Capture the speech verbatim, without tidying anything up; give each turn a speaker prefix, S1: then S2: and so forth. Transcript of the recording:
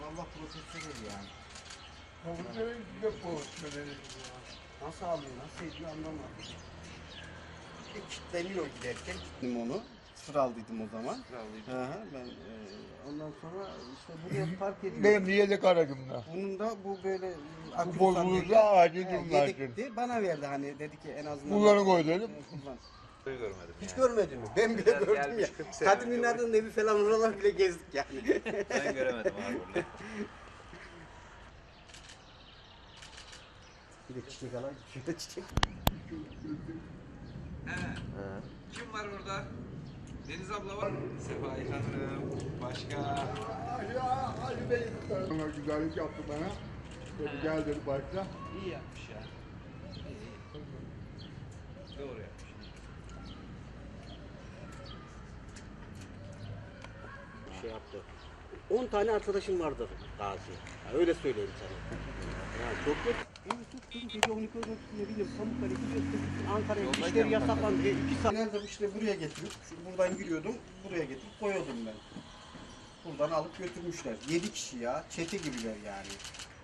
S1: Allah profesyonel yani.
S2: Profesörün de profesyonel.
S1: Nasıl alıyor, nasıl ediyor anlamadım. Bir kilitleniyor giderken. Gittim onu. Sıfır aldıydım o zaman. Hı hı, ben e, ondan sonra işte buraya park ediyorum.
S2: Benim yedek aracımda.
S1: Bunun da bu böyle akülü
S2: Bu bozulursa
S1: sandalye,
S2: acil
S1: he,
S2: durumlar
S1: yedekti. Bana verdi hani dedi ki en azından.
S2: Kullanı koy dedim.
S1: E, kullan.
S3: Görmedim
S1: Hiç
S3: yani.
S1: görmedin mi? Ben bile
S3: Biraz
S1: gördüm
S3: gelmiş
S1: ya.
S3: kırk sene
S1: Kadim
S3: önce
S1: Ünler'den evi falan oralar bile gezdik yani.
S3: Ben göremedim abi burada.
S1: Bir de çiçek alan, şurada çiçek.
S3: He. Kim var orada? Deniz abla var. Sefaik Hanım. Başka.
S2: Ya Ali Bey sana güzellik yaptı bana. Dedi gel dedi başla.
S3: İyi yapmış ya. İyi. Doğru yapmış.
S1: Şey yaptı. on tane arkadaşım vardır Gazi. Ya öyle söyleyeyim sana. Ya çok yok. En tuttum gece on iki on ne bileyim Pamukkale gidiyorsun Ankara'ya işleri yasaklandı. E, iki saat. Nerede işte buraya getirip şu buradan giriyordum buraya getirip koyuyordum ben. Buradan alıp götürmüşler. Yedi kişi ya. Çete gibiler yani.